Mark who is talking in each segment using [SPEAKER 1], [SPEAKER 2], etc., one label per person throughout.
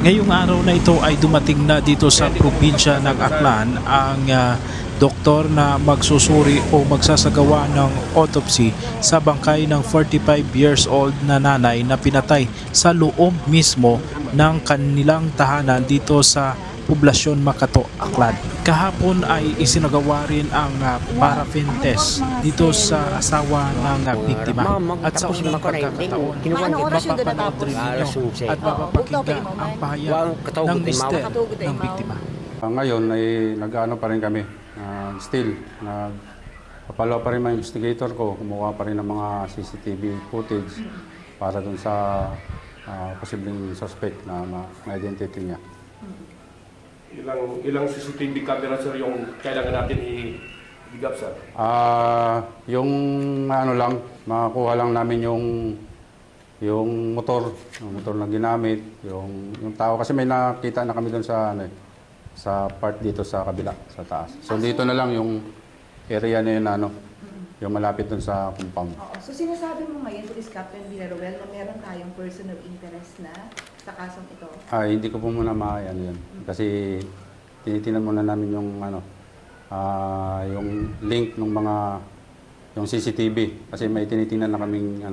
[SPEAKER 1] Ngayong araw na ito ay dumating na dito sa probinsya ng Aklan ang doktor na magsusuri o magsasagawa ng autopsy sa bangkay ng 45 years old na nanay na pinatay sa loob mismo ng kanilang tahanan dito sa poblasyon Makato, Aklan. Kahapon ay isinagawa rin ang paraffin test dito sa asawa ng biktima. At sa unang pagkakataon, mapapanood rin ninyo at mapapakinggan ang pahayag ng mister ng biktima.
[SPEAKER 2] Ngayon ay nag-ano pa rin kami, still, nagpapalo pa rin mga investigator ko, kumuha pa rin ng mga CCTV footage para dun sa posibleng suspect na ma-identity niya.
[SPEAKER 3] Ilang CCTV camera, sir, yung kailangan natin i-bigap, sir?
[SPEAKER 2] Yung ano lang, makakuha lang namin yung motor na ginamit, yung tao. Kasi may nakita na kami doon sa, sa part dito sa kabila, sa taas. So dito na lang yung area na yun, yung malapit doon sa compound.
[SPEAKER 4] Oo. So sinasabi mo ngayon, Police Captain Villaruel, na meron tayong person of interest na sa kasong ito?
[SPEAKER 2] Hindi ko po muna ano yun. Kasi tinitingnan muna namin yung yung link ng mga yung CCTV kasi may tinitingnan na kaming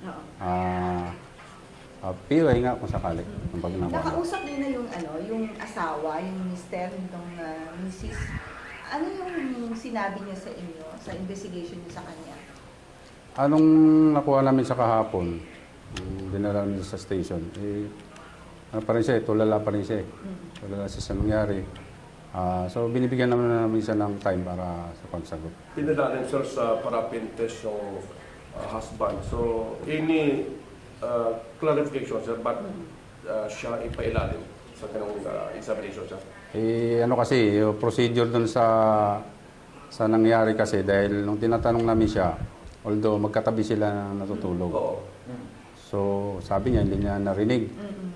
[SPEAKER 2] POI nga kung sakali.
[SPEAKER 4] Nakausap din na yung asawa, yung mister nitong Mrs. Ano yung sinabi niya sa inyo sa investigation niyo sa kanya?
[SPEAKER 2] Anong nakuha namin sa kahapon, dinala namin sa station, ano pa rin siya, tulala pa rin siya. Tulala siya sa nangyari. So binibigyan namin siya ng time para sa pagsagot.
[SPEAKER 3] Pinadala rin, sir, sa paraffin test yung husband. So, any clarification, sir, ba't siya ipailalim sa kanong examination, sir?
[SPEAKER 2] Ano kasi, yung procedure dun sa nangyari kasi dahil nung tinatanong namin siya, although magkatabi sila na natutulog.
[SPEAKER 3] Oo.
[SPEAKER 2] So sabi niya, hindi niya narinig.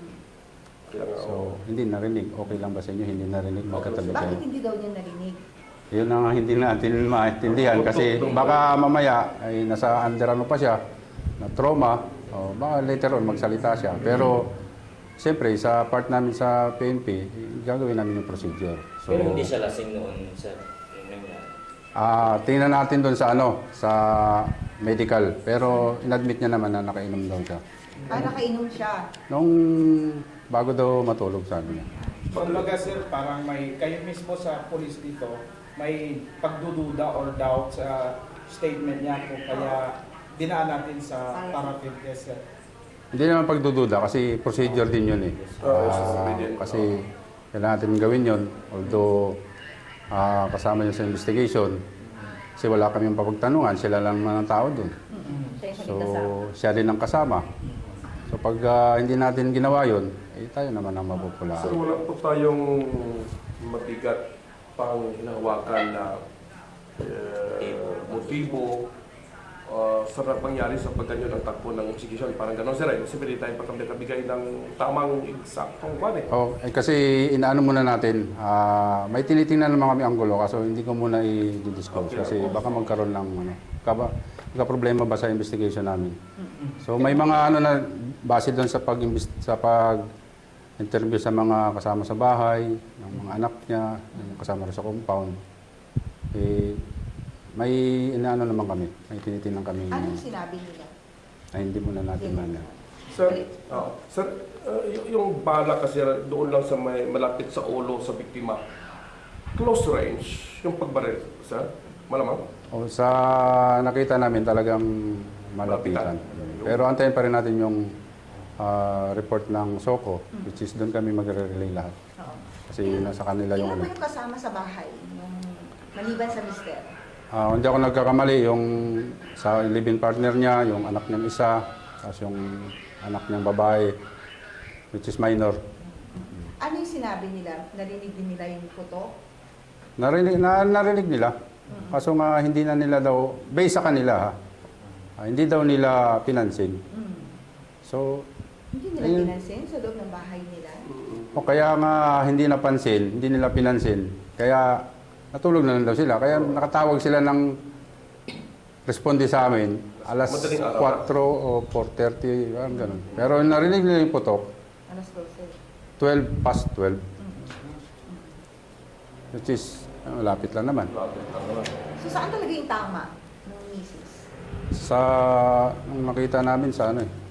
[SPEAKER 2] So, hindi narinig. Okay lang ba sa inyo? Hindi narinig. Magkatabi kayo.
[SPEAKER 4] Bakit hindi daw niya narinig?
[SPEAKER 2] Yun ang hindi natin maintindihan kasi baka mamaya ay nasa under ano pa siya, na trauma, o baka later on magsalita siya. Pero, siyempre, sa part namin sa PNP, gagawin namin yung procedure. So,
[SPEAKER 5] pero hindi siya lasing noon sa nangyari?
[SPEAKER 2] Tingnan natin doon sa sa medical. Pero, inadmit niya naman na nakainom daw siya.
[SPEAKER 4] Nakainom siya?
[SPEAKER 2] Nung bago daw matulog, sabi niya.
[SPEAKER 6] Kumbaga sir, parang may, kayo mismo sa police dito, may pagdududa or doubt sa statement niya kung kaya dinaan natin sa paraffin test sir.
[SPEAKER 2] Hindi naman pagdududa kasi procedure din yun eh. Kasi kailangan natin gawin yun. Although kasama niya sa investigation, kasi wala kami yung papagtanungan, sila lang mga tao dun. So siya din ang kasama. So pag hindi natin ginawa yun, tayo naman ang mapupulaan.
[SPEAKER 3] Sir, wala po tayong mabigat pang hinahawakan na motibo sa pangyari sa pagganyo ng takbo ng execution. Parang gano'n, sir. Kasi pwede tayo pagkabigay ng tamang eksaktong kwan eh.
[SPEAKER 2] Kasi inaano muna natin, may tinitingnan naman kami anggulo kaso hindi ko muna i-disclose kasi baka magkaroon ng problema ba sa investigation namin. So may mga na base doon sa pag-interview sa mga kasama sa bahay, ng mga anak niya, yung kasama rin sa compound. May inaano naman kami, may tinitingnan kami.
[SPEAKER 4] Anong sinabi nila?
[SPEAKER 2] Ay hindi muna natin mana.
[SPEAKER 3] Sir, yung bala kasi doon lang sa malapit sa ulo sa biktima. Close range, yung pagbaril, sir? Malamang?
[SPEAKER 2] Sa nakita namin talagang malapitan. Pero antayin pa rin natin yung report ng SOCO, which is doon kami magre-relay lahat. Kasi nasa kanila yung
[SPEAKER 4] Ilan ba yung kasama sa bahay, maliban sa mister?
[SPEAKER 2] Hindi ako nagkakamali, yung sa living partner niya, yung anak niyang isa, tapos yung anak niyang babae, which is minor.
[SPEAKER 4] Ano yung sinabi nila? Narinig din nila yung puto?
[SPEAKER 2] Narinig nila. Kaso nga hindi na nila daw, based sa kanila hindi daw nila pinansin. So,
[SPEAKER 4] Hindi nila pinansin sa loob ng bahay nila?
[SPEAKER 2] o kaya nga hindi napansin, hindi nila pinansin, kaya natulog na lang daw sila. Kaya nakatawag sila ng responde sa amin, alas 4 o 4:30, ganun. Pero narinig nila yung putok.
[SPEAKER 4] Alas 12.
[SPEAKER 2] 12 past 12. Which is, malapit lang naman.
[SPEAKER 4] So saan talaga yung tama ng misis?
[SPEAKER 2] Nung nakita namin sa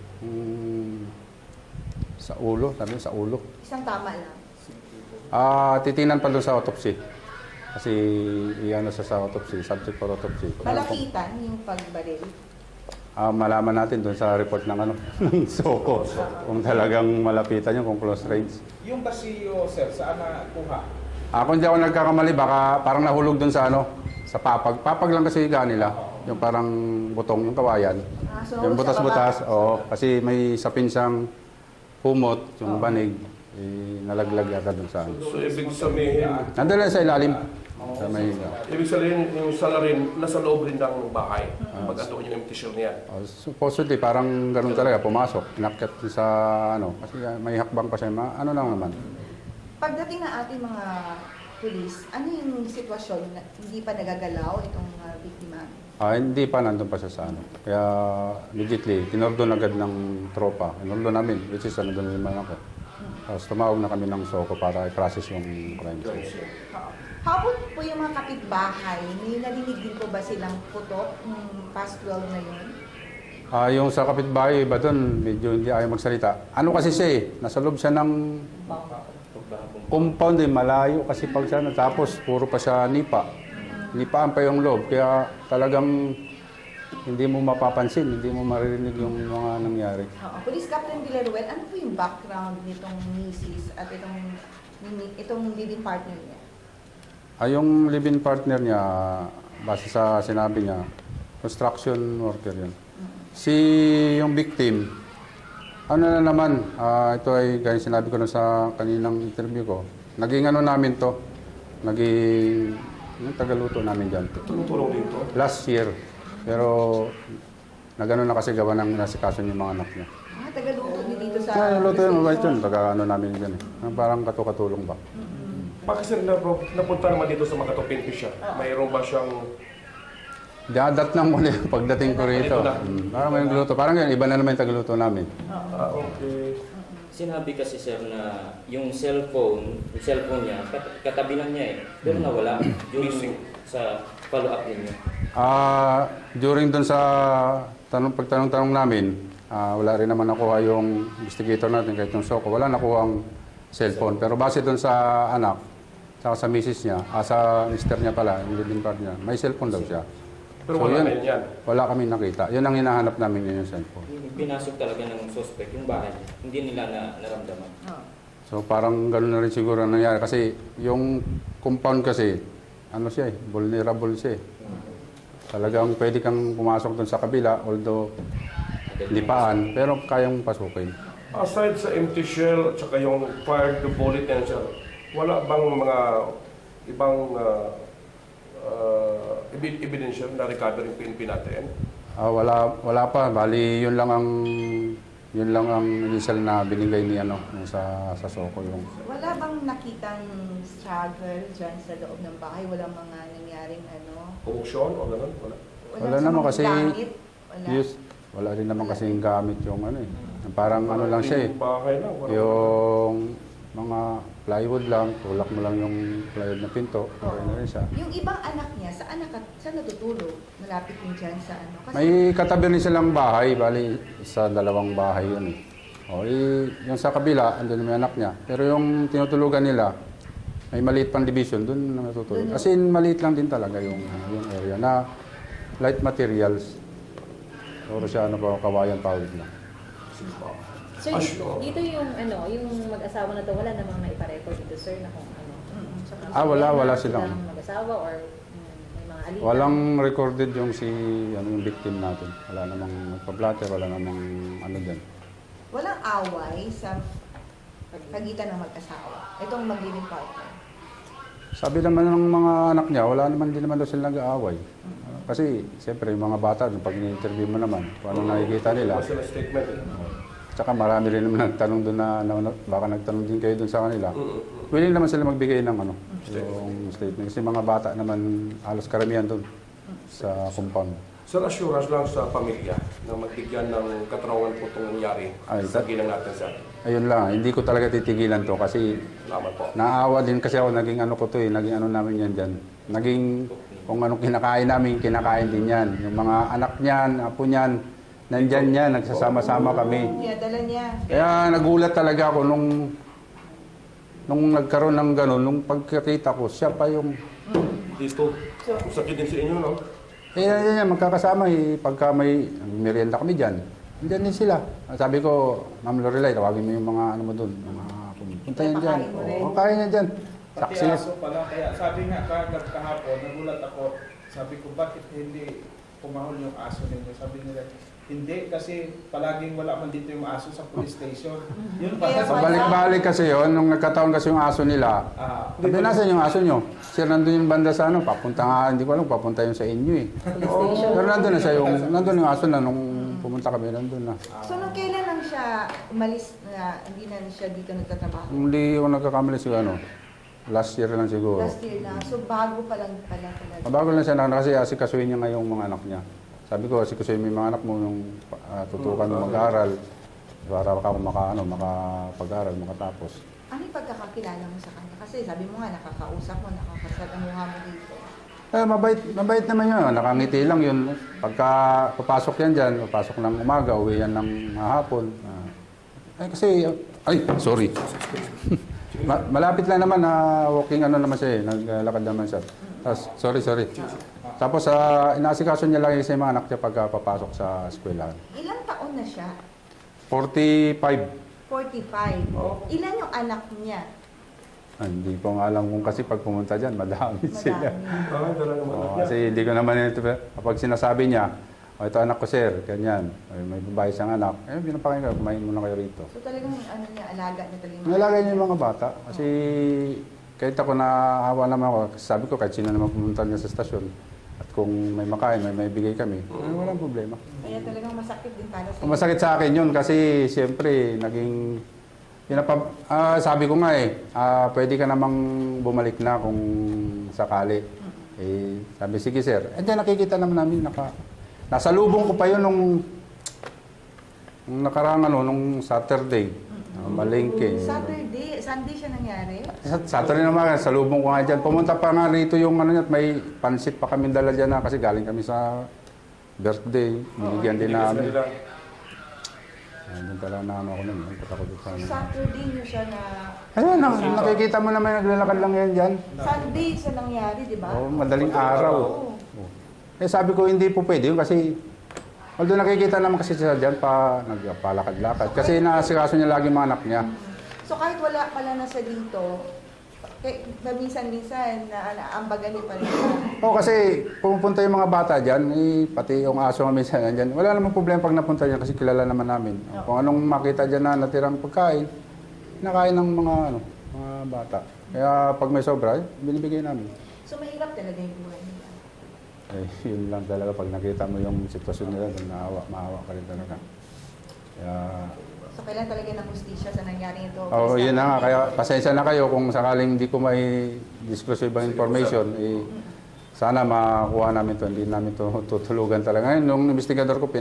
[SPEAKER 2] sa ulo, sabi sa ulo.
[SPEAKER 4] Isang tama lang.
[SPEAKER 2] Titingnan pa doon sa autopsy. Kasi iyan sa autopsy, subject for autopsy.
[SPEAKER 4] Malapitan yung pagbaril.
[SPEAKER 2] Malaman natin doon sa report ng ng SOCO. Kung talagang malapitan yun, kung close range.
[SPEAKER 6] Yung basilyo, sir, saan nakuha?
[SPEAKER 2] Kung hindi ako nagkakamali, baka parang nahulog doon sa sa papag. Papag lang kasi higa nila. Yung parang butong, yung kawayan.
[SPEAKER 4] So,
[SPEAKER 2] Yung
[SPEAKER 4] sa
[SPEAKER 2] butas-butas,
[SPEAKER 4] baba.
[SPEAKER 2] oo. Kasi may sapin siyang humot, yung banig, nalaglag yata doon sa
[SPEAKER 3] So, ibig sabihin,
[SPEAKER 2] Nandun lang sa ilalim. Sa may,
[SPEAKER 3] yung salarin nasa loob rin ng bahay. Pag ando yung empty shell niya.
[SPEAKER 2] supposedly, parang ganun talaga, pumasok. Inakyat sa kasi may hakbang pa siya. Ano lang naman.
[SPEAKER 4] Pagdating ng ating mga pulis, ano yung sitwasyon na hindi pa nagagalaw itong biktima?
[SPEAKER 2] Hindi pa, nandun pa siya sa Kaya, immediately, tinordon agad ng tropa. Tinordon namin, which is doon naman ako. Tapos tumawag na kami ng SOCO para i-process yung crime scene.
[SPEAKER 4] How about po yung mga kapitbahay? May narinig din po ba silang putok ng past 12 na yun?
[SPEAKER 2] Yung sa kapitbahay, iba doon, medyo hindi ayaw magsalita. Ano kasi siya nasa loob siya ng compound malayo kasi pag siya tapos puro pa siya nipa. Nipaan pa yung loob, kaya talagang hindi mo mapapansin, hindi mo maririnig yung mga nangyari.
[SPEAKER 4] Police Captain Villaruel, ano po yung background nitong misis at itong living partner niya?
[SPEAKER 2] Yung live-in partner niya, base sa sinabi niya, construction worker yun. Yung victim, na naman, ito ay gaya sinabi ko na sa kaninang interview ko, naging namin to, yung tagaluto namin dyan.
[SPEAKER 3] Tumutulong dito.
[SPEAKER 2] Last year, pero nagano na kasi gawa ng nasikaso yung mga anak niya.
[SPEAKER 4] Tagaluto niyo dito sa...
[SPEAKER 2] Luto yun, mabait yun, namin dyan parang katulong ba.
[SPEAKER 3] Bakit sir napunta naman dito sa Makatupin siya? Mayroon ba siyang...
[SPEAKER 2] Dadat lang muna yung pagdating ko rito.
[SPEAKER 3] Ito na.
[SPEAKER 2] Parang may gluto. Parang yun, iba na naman yung tagaluto namin.
[SPEAKER 3] Okay.
[SPEAKER 5] Sinabi kasi sir na yung cellphone niya, katabi lang niya pero nawala. Yung sa follow-up ninyo.
[SPEAKER 2] During dun sa pagtanong-tanong namin, wala rin naman nakuha yung investigator natin kahit yung SOCO. Wala nakuha ang cellphone. Pero base dun sa anak, saka sa misis niya, sa mister niya pala, yung living partner niya, may cellphone daw siya.
[SPEAKER 3] Pero
[SPEAKER 2] So,
[SPEAKER 3] wala
[SPEAKER 2] yun,
[SPEAKER 3] na yan.
[SPEAKER 2] Wala kami nakita. Yun ang hinahanap namin yung cellphone.
[SPEAKER 5] Pinasok talaga ng suspect yung bahay niya. Hindi nila naramdaman.
[SPEAKER 2] So parang gano'n na rin siguro ang nangyari. Kasi yung compound kasi, siya vulnerable siya. Talagang pwede kang pumasok doon sa kabila, although lipaan, pero kayang pasukin.
[SPEAKER 3] Aside sa empty shell at saka yung fired bullet yan sir, wala bang mga ibang ebidensya na recover yung PNP natin?
[SPEAKER 2] Wala pa. Bali, yun lang ang initial na binigay ni sa SOCO yung.
[SPEAKER 4] Wala bang nakitang struggle dyan sa loob ng bahay? Walang mga nangyaring
[SPEAKER 3] Corruption o gano'n? Wala.
[SPEAKER 2] Wala
[SPEAKER 4] sa
[SPEAKER 2] naman
[SPEAKER 4] mga
[SPEAKER 2] kasi
[SPEAKER 4] gamit? Wala.
[SPEAKER 2] Wala rin naman kasi yung gamit yung Parang lang siya
[SPEAKER 3] Yung bahay lang. Wala.
[SPEAKER 2] Yung mga plywood lang, tulak mo lang yung plywood na pinto, okay na rin siya.
[SPEAKER 4] Yung ibang anak niya, saan natutulog? Malapit din dyan sa Kasi,
[SPEAKER 2] May katabi rin silang bahay, bali sa dalawang bahay yun yung sa kabila, andun may anak niya. Pero yung tinutulugan nila, may maliit pang division, doon natutulog. Kasi maliit lang din talaga yung area na light materials. Puro siya kawayan pawid lang.
[SPEAKER 7] So, dito yung mag-asawa na to, wala namang naipa-record dito, sir, na kung
[SPEAKER 2] Wala silang.
[SPEAKER 7] mag-asawa or may mga alita.
[SPEAKER 2] Walang recorded yung yung victim natin. Wala namang nagpa-blatter, wala namang din.
[SPEAKER 4] walang away sa pagitan ng mag-asawa. Itong mag-living partner.
[SPEAKER 2] Sabi naman ng mga anak niya, din naman daw sila nag-aaway. Kasi, siyempre, yung mga bata, pag in-interview mo naman, kung anong nakikita nila.
[SPEAKER 3] Wala sila statement.
[SPEAKER 2] Tsaka marami rin naman nagtanong doon baka nagtanong din kayo doon sa kanila. Willing naman sila magbigay ng yung statement. Kasi mga bata naman, halos karamihan doon sa compound.
[SPEAKER 3] Sir, assurance lang sa pamilya na magbigyan ng katarungan po itong nangyari sa ginang natin sir.
[SPEAKER 2] ayun lang, hindi ko talaga titigilan to kasi
[SPEAKER 3] Salamat po.
[SPEAKER 2] naawa din kasi ako, naging ano ko to eh, naging ano namin yan dyan. Naging kung anong kinakain namin, kinakain din yan. Yung mga anak niyan, apo niyan, nandyan yan, nagsasama-sama kami.
[SPEAKER 4] Kaya dala niya.
[SPEAKER 2] Kaya nagulat talaga ako nung nagkaroon ng gano'n, nung pagkakita ko, siya pa yung...
[SPEAKER 3] Dito. Sakit din sa inyo, no?
[SPEAKER 2] yan, magkakasama eh. Pagka may merienda kami dyan, andyan din sila. Sabi ko, Ma'am Lorelai, tawagin mo yung mga ano mo doon. Punta yan dyan.
[SPEAKER 4] Papakain mo rin.
[SPEAKER 2] Oo, kain yan dyan.
[SPEAKER 6] Pati
[SPEAKER 2] Saksi.
[SPEAKER 6] aso pala, kaya sabi nga kahapon, nagulat ako, sabi ko, bakit hindi pumahol yung aso ninyo? Sabi nila, hindi, kasi palaging wala man dito yung aso sa police station. Yun
[SPEAKER 4] Kaya
[SPEAKER 6] pala.
[SPEAKER 2] Pabalik-balik kasi yon nung nagkataon kasi yung aso nila. Sabi, nasan yung aso nyo? Sir, nandun yung banda sa ano, papunta nga, hindi ko alam, papunta yun sa inyo eh. Pero nandun na siya nandun yung aso na nung pumunta kami, nandun na.
[SPEAKER 4] So, nung kailan lang siya umalis na hindi na siya dito nagtatrabaho?
[SPEAKER 2] Hindi ako nagkakamali siguro ano, last year lang siguro.
[SPEAKER 4] Last year na. So, bago pa lang pala talaga.
[SPEAKER 2] Bago lang siya kasi asikasuhin niya nga yung mga anak niya. Sabi ko, asikasuhin mo yung mga anak mo yung tutukan mo mag-aaral para makapag-aral, makatapos.
[SPEAKER 4] Ano yung pagkakakilala mo sa kanya? Kasi sabi mo nga, nakakausap mo, nakakasalamuha mo dito.
[SPEAKER 2] Mabait naman yun. Nakangiti lang yun. Pagka papasok yan dyan, papasok ng umaga, uwi yan ng hapon. Sorry. Malapit lang naman na walking ano naman siya eh. Naglalakad naman siya. Tapos, sorry. Tapos, inaasikaso niya lang yung mga anak niya pagka papasok sa eskwelahan.
[SPEAKER 4] Ilang taon na siya?
[SPEAKER 2] 45.
[SPEAKER 4] 45. Ilan yung anak niya?
[SPEAKER 2] Hindi ko nga alam kung kasi pag pumunta dyan, madami sila.
[SPEAKER 4] Madami.
[SPEAKER 2] Kasi hindi ko naman ito, kapag sinasabi niya, ito anak ko sir, ganyan, may babae siyang anak, pinapakain ka, kumain muna kayo rito.
[SPEAKER 4] So talagang ano niya, alaga niya talaga.
[SPEAKER 2] Nalagay niya yung mga bata, kasi kahit ako naawa naman ako, sabi ko kahit sino naman pumunta niya sa stasyon, at kung may makain, may bigay kami, walang problema.
[SPEAKER 4] Kaya talagang masakit din para sa
[SPEAKER 2] Masakit sa akin yun kasi siyempre naging sabi ko nga pwede ka namang bumalik na kung sakali. Sabi, sige sir. Nakikita naman namin, nasa lubong ko pa yun nung nakarang nung Saturday. Malengke.
[SPEAKER 4] Sunday siya nangyari?
[SPEAKER 2] Saturday naman, sa lubong ko nga dyan. Pumunta pa nga rito yung may pansit pa kami dala dyan kasi galing kami sa birthday. Binigyan din namin. Doon talaga na ako nun.
[SPEAKER 4] Saturday niyo siya na...
[SPEAKER 2] Ayun, nakikita mo naman naglalakad lang yan dyan.
[SPEAKER 4] Sunday siya nangyari, di ba?
[SPEAKER 2] Oo, madaling araw. Sabi ko hindi po pwede yun kasi although nakikita naman kasi siya dyan nagpalakad-lakad. Kasi naasikaso niya lagi mga anak niya.
[SPEAKER 4] So kahit wala pala na siya dito, minsan-minsan naambagan niyo pa rin siya.
[SPEAKER 2] Oo, kasi pumupunta yung mga bata dyan, pati yung aso nga minsan dyan. Wala namang problema pag napunta dyan kasi kilala naman namin. Kung anong makita dyan na natirang pagkain, nakain ng mga bata. Kaya pag may sobra, binibigay namin.
[SPEAKER 4] So mahirap talaga yung buhay nila.
[SPEAKER 2] Yun lang talaga pag nakita mo yung sitwasyon nila, maawa ka rin talaga. Kaya...
[SPEAKER 4] So kailan talaga ng hustisya sa nangyari ito?
[SPEAKER 2] Oo, yun na nga. Kaya pasensya na kayo kung sakaling hindi ko may disclose ibang information, sana makuha namin to. Hindi namin to tutulugan talaga. Ngayon, nung investigador ko,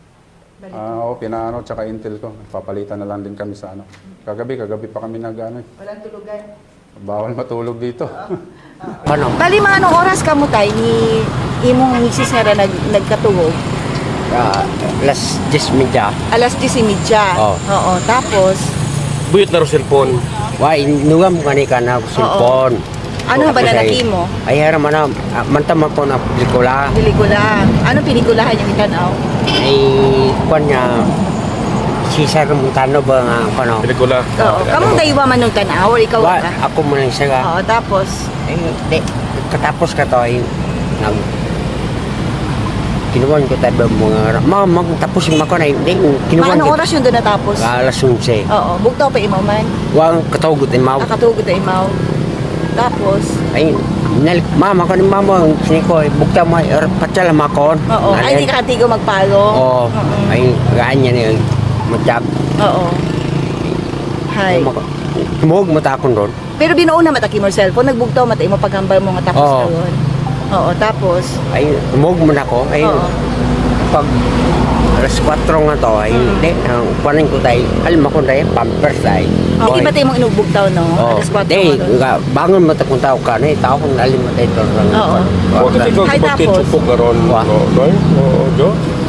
[SPEAKER 2] tsaka intel ko. Papalitan na lang din kami sa Kagabi pa kami
[SPEAKER 4] Walang tulugan.
[SPEAKER 2] Bawal matulog dito.
[SPEAKER 4] Bali mga anong oras ka mo tayo ni imong misis nga na nagkatulog?
[SPEAKER 8] Alas 10:30.
[SPEAKER 4] Alas 10:30.
[SPEAKER 8] Oo.
[SPEAKER 4] Oo, tapos
[SPEAKER 3] Buyot na ro cellphone.
[SPEAKER 8] Wa inungam kani kana cellphone.
[SPEAKER 4] ano ba na nakimo?
[SPEAKER 8] Ay hara man mantama ko na pelikula.
[SPEAKER 4] Pelikula. Anong pelikulahan yung itanaw?
[SPEAKER 8] Ay kwan niya si Sir Montano ba nga kano?
[SPEAKER 3] Pelikula.
[SPEAKER 4] Oo. Kamong daywa man nung tanaw or ikaw
[SPEAKER 8] Wa
[SPEAKER 4] ka?
[SPEAKER 8] ako man lang siya.
[SPEAKER 4] Oo, tapos
[SPEAKER 8] Ay di katapos ka to ay nag kinuwan ko tayo mga magtapos yung mako na hindi kinuwan
[SPEAKER 4] anong oras yun doon natapos?
[SPEAKER 8] alas 11.
[SPEAKER 4] Oo, bugtaw pa imaw man.
[SPEAKER 8] Wang katugot ay mau.
[SPEAKER 4] Nakatugod na imaw. Tapos,
[SPEAKER 8] Ay nalik mama ko ni mama sini ko bukta mo patsala makon.
[SPEAKER 4] oo, ay hindi ka katigo magpalo.
[SPEAKER 8] Oo. Ay ganyan ni matjab.
[SPEAKER 4] Oo. Hay.
[SPEAKER 8] Tumog matakon ron.
[SPEAKER 4] Pero binuuna mataki mo cellphone, nagbugtaw matay mo paghambal mo nga tapos
[SPEAKER 8] Oo.
[SPEAKER 4] karon. Oo, tapos
[SPEAKER 8] Ay tumog mo na ko. Ay
[SPEAKER 4] oo.
[SPEAKER 8] pag alas 4 nga to, ay hindi. Kuwanin ko tayo, alam ako tayo, pampers tayo.
[SPEAKER 4] Oh, iba tayo mong inubog daw, no? Alas 4
[SPEAKER 8] Di,
[SPEAKER 4] nga doon.
[SPEAKER 8] bangon mo kung tao ka na, tao kung alim mo tayo ito.
[SPEAKER 4] Oo.
[SPEAKER 3] Bakit ikaw
[SPEAKER 4] Hay,
[SPEAKER 3] kapatid
[SPEAKER 4] tapos?
[SPEAKER 3] supok karon?
[SPEAKER 8] Wa.
[SPEAKER 3] Doy? Oo, Jo?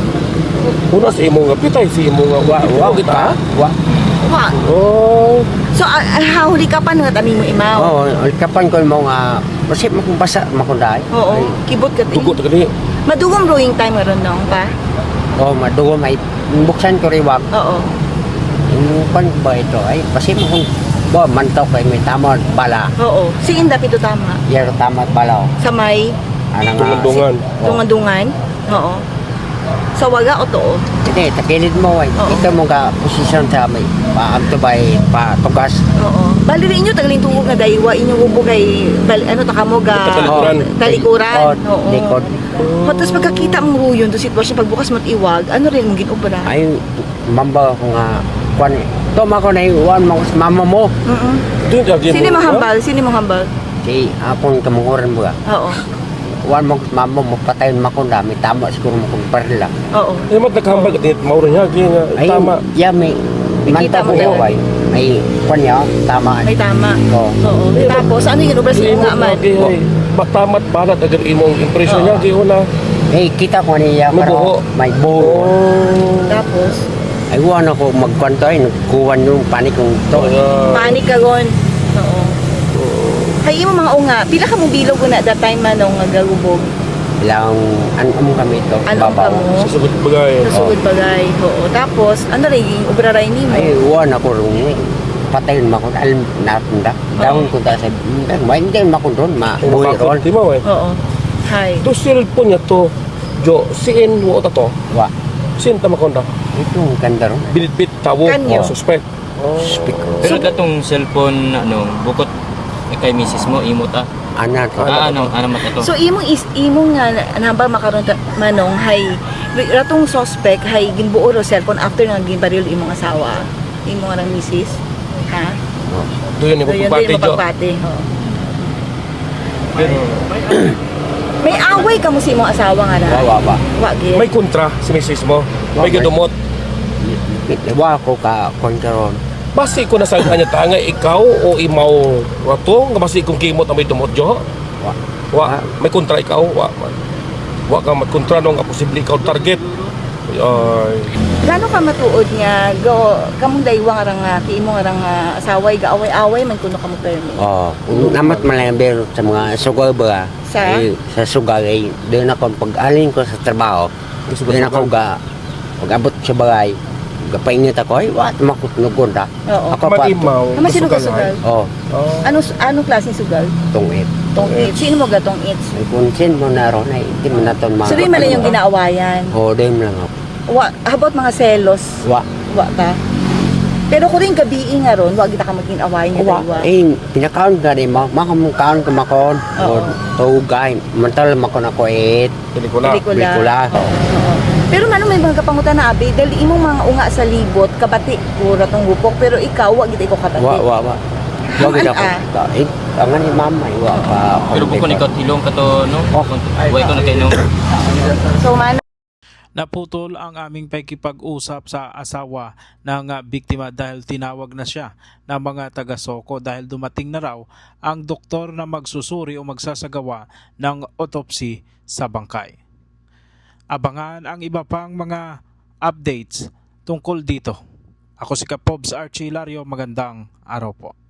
[SPEAKER 3] Una sa imo nga pitay, si imo nga
[SPEAKER 8] Wa,
[SPEAKER 3] kita.
[SPEAKER 8] wa.
[SPEAKER 4] Wa.
[SPEAKER 3] Oh,
[SPEAKER 4] So, hahuli ka pa nga tami mo imaw?
[SPEAKER 8] Oo, kapan ko mo nga, masip mo kung basa, makunday.
[SPEAKER 4] Oo. Kibot ka
[SPEAKER 3] dugo ta gani.
[SPEAKER 4] Madugong brewing time meron nung pa?
[SPEAKER 8] Oo, madugo, may buksan ko riwag.
[SPEAKER 4] Oo.
[SPEAKER 8] Yung pan ba ito, ay, masip mo kung, bo, mantok kay may tama at bala.
[SPEAKER 4] Oo. Si Inda pito tama.
[SPEAKER 8] Yaro tama at bala.
[SPEAKER 4] Sa may
[SPEAKER 8] Ano nga,
[SPEAKER 3] Dungan-dungan.
[SPEAKER 4] dungan-dungan. Oo. Sa waga o too?
[SPEAKER 8] hindi, takilid mo, ay.
[SPEAKER 4] Oo.
[SPEAKER 8] Ito mo ka posisyon sa may, paamto ba, patugas.
[SPEAKER 4] Oo. Bali rin inyo tagaling tungkol nga daywa inyo ubo kay ano ta kamo ga
[SPEAKER 3] Talikuran.
[SPEAKER 4] talikuran.
[SPEAKER 8] Oo. Likod.
[SPEAKER 4] Tapos pagkakita mong ruyon do sitwasyon pagbukas mo't iwag, ano rin mong ginobra?
[SPEAKER 8] Ay, mamba ko nga, kwan, toma ko na iwan mo sa mama mo.
[SPEAKER 4] Mm.
[SPEAKER 3] Doon ka
[SPEAKER 4] Sino mo hambal? Sino mo hambal?
[SPEAKER 8] Si, akong kamunguran mo ka.
[SPEAKER 4] Oo.
[SPEAKER 8] Wan mo sa mama mo, patayin mo ko dami, tama siguro mo kung perla.
[SPEAKER 4] Oo.
[SPEAKER 3] Ay mat nakahambal ka mauro niya nga
[SPEAKER 8] Ay,
[SPEAKER 3] tama.
[SPEAKER 8] ya, may,
[SPEAKER 4] Nakita
[SPEAKER 8] manta
[SPEAKER 4] mo
[SPEAKER 8] ko
[SPEAKER 4] yun?
[SPEAKER 8] ay, may, kwan niya, tama.
[SPEAKER 4] May tama.
[SPEAKER 8] Oo.
[SPEAKER 4] Oo. Tapos ano yung ginobra sa
[SPEAKER 3] Imo
[SPEAKER 4] nga man?
[SPEAKER 3] ay matamat balat agar imong impression niya gi una.
[SPEAKER 8] Eh, kita ko niya,
[SPEAKER 3] May buho.
[SPEAKER 8] may buho.
[SPEAKER 3] Oh.
[SPEAKER 4] Tapos
[SPEAKER 8] Ay, wan ako magkwanto ay, nagkuhan yung panik kong to.
[SPEAKER 4] panik ka gon. Oo. Hay imo mga unga, pila ka mong bilog na that time manong nga gagubog.
[SPEAKER 8] Ilang, ano kami ito,
[SPEAKER 4] Anong
[SPEAKER 8] babaw.
[SPEAKER 4] kamo?
[SPEAKER 3] Sa sugod bagay.
[SPEAKER 4] Nasugod bagay. Oo. Tapos ano rin ubraray nimo?
[SPEAKER 8] Ay, wan ako rin, patayin mo ko, alam natin da. Dahon ko ta sa, hindi mo ko doon, mabuhi ron.
[SPEAKER 3] Di mo eh.
[SPEAKER 4] Oo. Hay.
[SPEAKER 3] To cellphone niya to. Jo, siin wo ta to.
[SPEAKER 8] Wa,
[SPEAKER 3] Sin ta makonda.
[SPEAKER 8] ito, ang ganda ron.
[SPEAKER 3] Binitbit tawo.
[SPEAKER 4] Kanyo.
[SPEAKER 3] Suspect.
[SPEAKER 8] Speak ko.
[SPEAKER 5] Pero datong cellphone ano, bukod kay misis mo imo ta.
[SPEAKER 8] Anak ko.
[SPEAKER 5] Ano mat ito?
[SPEAKER 4] So imong nga namba makaron manong hay ratong suspect hay ginbuo ro cellphone after nga ginbaril imong asawa. Imong nga misis. Ha?
[SPEAKER 3] Doon ni
[SPEAKER 4] So yun
[SPEAKER 3] pagpati
[SPEAKER 4] din
[SPEAKER 3] jo.
[SPEAKER 4] mapagpati. Oo.
[SPEAKER 5] Pero
[SPEAKER 4] May away ka mo sa imong asawa nga na.
[SPEAKER 8] Wa.
[SPEAKER 4] Wa gid.
[SPEAKER 3] May kontra si misis mo. May
[SPEAKER 8] Okay.
[SPEAKER 3] gadumot.
[SPEAKER 8] Wa ko ka, kwan ka ron.
[SPEAKER 3] Basi ko na sa kanya tanga ikaw o imaw rato nga basi kung kimot na may dumot jo.
[SPEAKER 8] Wa.
[SPEAKER 3] Wa, may kontra ikaw. Wa man. Wa ka magkontra no nga posible ikaw target. Ay.
[SPEAKER 4] Gano ka matuod nga go kamong daywa nga nga ti imong nga nga asaway gaaway-away man kuno kamo permi.
[SPEAKER 8] Oh, namat malamber sa mga sugal ba?
[SPEAKER 4] Sa?
[SPEAKER 8] Sa sugal ay doon ako pag-alin ko sa trabaho. Doon ako pag-abot sa bagay. Gapainit ako ay wat makutnugon ta.
[SPEAKER 4] Oo.
[SPEAKER 8] Ako pa
[SPEAKER 3] Mag-imaw.
[SPEAKER 4] Ama sino ka sugal?
[SPEAKER 8] oh,
[SPEAKER 4] Anong klaseng sugal?
[SPEAKER 8] tungit.
[SPEAKER 4] Tong it. Sino mo gatong it?
[SPEAKER 8] Ay kunsin mo na ron ay hindi mo na ton mga.
[SPEAKER 4] Sabi man yung ginaawayan.
[SPEAKER 8] Oh, doon lang ako.
[SPEAKER 4] Wa, how about mga selos?
[SPEAKER 8] Wa.
[SPEAKER 4] Wa ka? Pero ko rin gabi nga ron, wag kita ka maging awayan niya
[SPEAKER 8] Wa.
[SPEAKER 4] daywa.
[SPEAKER 8] Eh, pinakaon ka rin mo. Makamukhaon ka makon.
[SPEAKER 4] Oo.
[SPEAKER 8] O, tugay. Mantal makon ako
[SPEAKER 3] Pelikula.
[SPEAKER 8] pelikula.
[SPEAKER 4] Oo. Pero man may mga kapangutan na abi, dahil imong mga unga sa libot, kabati ko ratong gupok, pero ikaw, wag kita ikaw kabati.
[SPEAKER 8] Wa. Wag
[SPEAKER 4] Haman,
[SPEAKER 8] ako. Tangan ni mama, wa pa.
[SPEAKER 5] pero bukod ikaw tilong ka to no.
[SPEAKER 8] Oh.
[SPEAKER 5] Way ko na kay no.
[SPEAKER 4] So man,
[SPEAKER 1] Naputol ang aming pakikipag-usap sa asawa ng biktima dahil tinawag na siya ng mga taga-Soko dahil dumating na raw ang doktor na magsusuri o magsasagawa ng autopsy sa bangkay. Abangan ang iba pang mga updates tungkol dito. Ako si Kapobs Archie Hilario, magandang araw po.